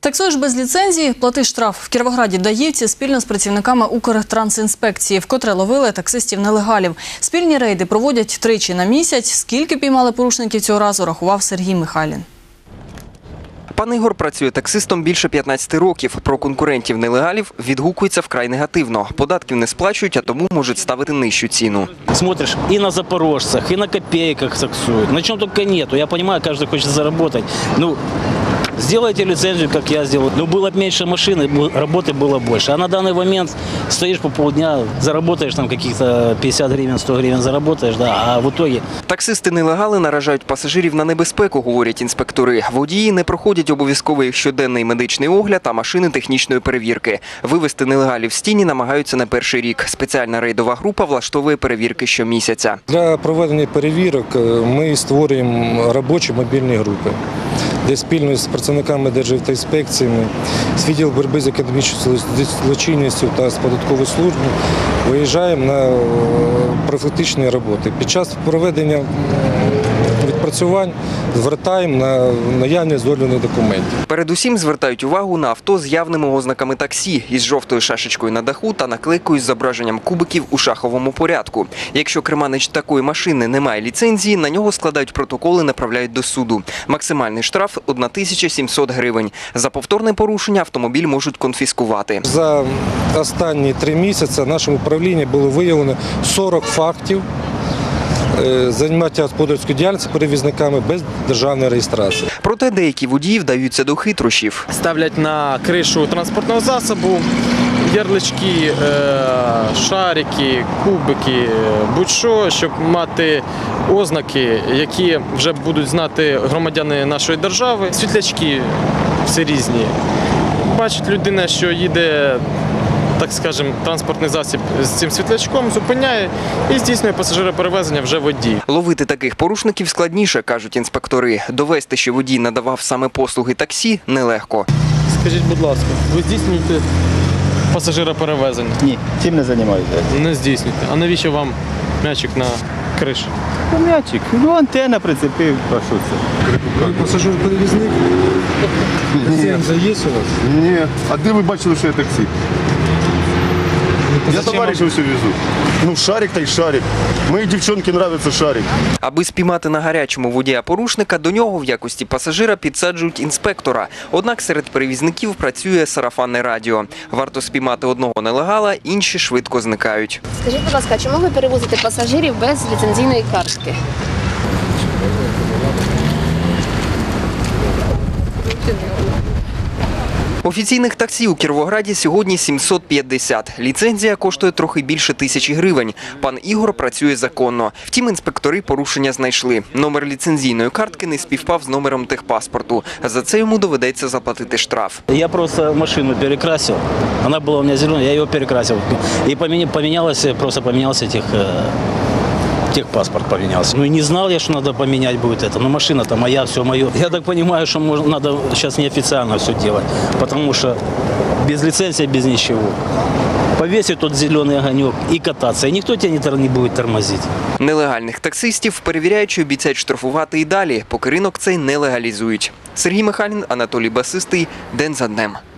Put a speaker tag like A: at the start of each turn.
A: Таксуєш без ліцензії – плати штраф. В Кіровограді даївці спільно з працівниками Укртрансінспекції вкотре ловили таксистів-нелегалів. Спільні рейди проводять тричі на місяць. Скільки піймали порушників цього разу, рахував Сергій Михайлін.
B: Пан Ігор працює таксистом більше 15 років. Про конкурентів-нелегалів відгукується вкрай негативно. Податків не сплачують, а тому можуть ставити нижчу ціну.
C: Смотришь и на запорожцах, и на копейках таксуют. На чем только нету. Я понимаю, каждый хочет заработать. Ну, сделайте лицензию, как я сделал. Ну, было бы меньше машин, работы было больше. А на данный момент стоишь по полдня, заработаешь там каких-то 50 гривен, 100 гривен заработаешь, да, а в итоге...
B: Таксисти-нелегали наражають пасажирів на небезпеку, говорять інспектори. Водії не проходять обов'язковий щоденний медичний огляд та машини технічної перевірки. Вивести нелегалів з тіні намагаються не перший рік. Спеціальна рейдова група влаштовує перевірки щомісяця.
D: Для проведення перевірок ми створюємо робочі мобільні групи, де спільно з працівниками Державтоінспекціями, з відділу боротьби з економічною злочинністю та з податковою службою виїжджаємо на профілактичні роботи. Під час проведення відпрацювань звертаємо на наявність дозвільних документів.
B: Передусім звертають увагу на авто з явними ознаками таксі, із жовтою шашечкою на даху та наклейкою з зображенням кубиків у шаховому порядку. Якщо керманич такої машини не має ліцензії, на нього складають протоколи і направляють до суду. Максимальний штраф – 1700 гривень. За повторне порушення автомобіль можуть конфіскувати.
D: За останні 3 місяці в нашому управлінні було виявлено 40 фактів заняття господарською діяльністю перевізниками без державної реєстрації.
B: Проте деякі водії вдаються до хитрощів.
E: Ставлять на кришу транспортного засобу ярлички, шарики, кубики, будь-що, щоб мати ознаки, які вже будуть знати громадяни нашої держави. Світлячки всі різні. Бачить людина, що їде, так скажемо, транспортний засіб з цим світлячком, зупиняє і здійснює пасажироперевезення вже водій.
B: Ловити таких порушників складніше, кажуть інспектори. Довести, що водій надавав саме послуги таксі, нелегко.
E: Скажіть, будь ласка, ви здійснюєте пасажироперевезення?
F: Ні, цим не займаюся.
E: Не здійснюєте. А навіщо вам м'ячик на криші?
F: М'ячик, антенна прицепив, а що це?
D: Ви пасажир-перевізник? Ліцензія є у вас?
G: Ні. А де ви бачили, що я таксі? Я товаришів все везу. Ну, шарик та й шарик. Моїй дівчинці подобається шарик.
B: Аби спіймати на гарячому водія-порушника, до нього в якості пасажира підсаджують інспектора. Однак серед перевізників працює сарафанне радіо. Варто спіймати одного нелегала, інші швидко зникають.
H: Скажіть, будь ласка, чому ви перевозите пасажирів без ліцензійної картки?
B: Офіційних таксі у Кіровограді сьогодні 750. Ліцензія коштує трохи більше 1000 гривень. Пан Ігор працює законно. Втім, інспектори порушення знайшли. Номер ліцензійної картки не співпав з номером техпаспорту. За це йому доведеться заплатити штраф.
C: Я просто машину перекрасил. Она была у меня зеленая, я ее перекрасил. И поменялся техпаспорт поменялся. Ну и не знал я, что надо поменять будет это. Но машина-то моя, все мое. Я так понимаю, что надо сейчас неофициально все делать. Потому что без лицензии, без ничего. Повесить тот зеленый огонек и кататься. И никто тебя не будет тормозить.
B: Нелегальних таксистів перевіряючи обіцяють штрафувати і далі, поки ринок цей не легалізують. Сергій Михайлін, Анатолій Басистий. День за днем.